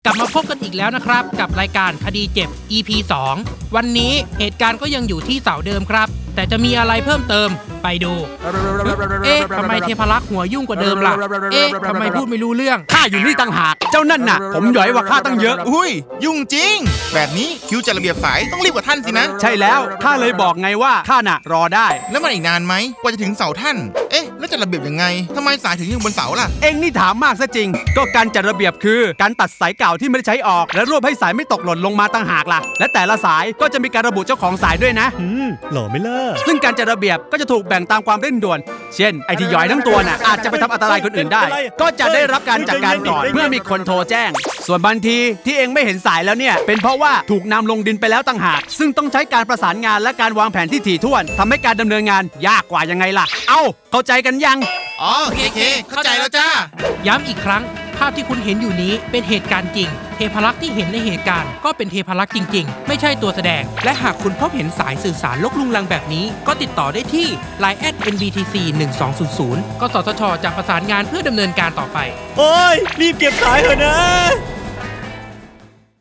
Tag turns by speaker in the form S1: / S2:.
S1: กลับมาพบกันอีกแล้วนะครับกับรายการคดีเจ็บ EP 2 วันนี้เหตุการณ์ก็ยังอยู่ที่เสาเดิมครับแต่จะมีอะไรเพิ่มเติมไปดูทำไมเทพรักษ์หัวยุ่งกว่าเดิมล่ะทำไมพูดไม่รู้เรื่อง
S2: ข้าอยู่นี่ต่างหากเจ้านั่นน่ะผมหย่อยว่าข้าตั้งเยอะ
S3: อุ้ยยุ่งจริงแบบนี้คิวจัดระเบียบสายต้องรีบกว่าท่านสินะ
S2: ใช่แล้วข้าเลยบอกไงว่าข้าน่ะรอได้
S3: แล้วมันอีกนานไหมกว่าจะถึงเสาท่านแล้วจัดระเบียบยังไงทำไมสายถึงยังบนเสาล่ะ
S2: เอ็งนี่ถามมากซะจริงก็การจัดระเบียบคือการตัดสายเก่าที่ไม่ได้ใช้ออกและรวบให้สายไม่ตกหล่นลงมาต่างหากล่ะและแต่ละสายก็จะมีการระบุเจ้าของสายด้วยนะ
S4: หล่อไหมล่ะ
S2: ซึ่งการจัดระเบียบก็จะถูกแบ่งตามความเร่งด่วนเช่นไอ้ที่หย่อยทั้งตัวน่ะอาจจะไปทำอันตรายคนอื่นได้ก็จะได้รับการจัดการก่อนเมื่อมีคนโทรแจ้งส่วนบางทีที่เองไม่เห็นสายแล้วเนี่ยเป็นเพราะว่าถูกนำลงดินไปแล้วต่างหากซึ่งต้องใช้การประสานงานและการวางแผนที่ถี่ถ้วนทำให้การดำเนินงานยากกว่ายังไงล่ะเข้าใจกันยัง
S3: เคเข้าใจแล้วจ้า
S1: ย้ำอีกครั้งภาพที่คุณเห็นอยู่นี้เป็นเหตุการณ์จริงเทพรักษ์ที่เห็นในเหตุการณ์ก็เป็นเทพรักษ์จริงๆไม่ใช่ตัวแสดงและหากคุณพบเห็นสายสื่อสารลกลุงลังแบบนี้ก็ติดต่อได้ที่ Line @nbtc 1200กสทชจะประสานงานเพื่อดำเนินการต่อไป
S4: โอ้ยรีบเก็บสายเถอะนะ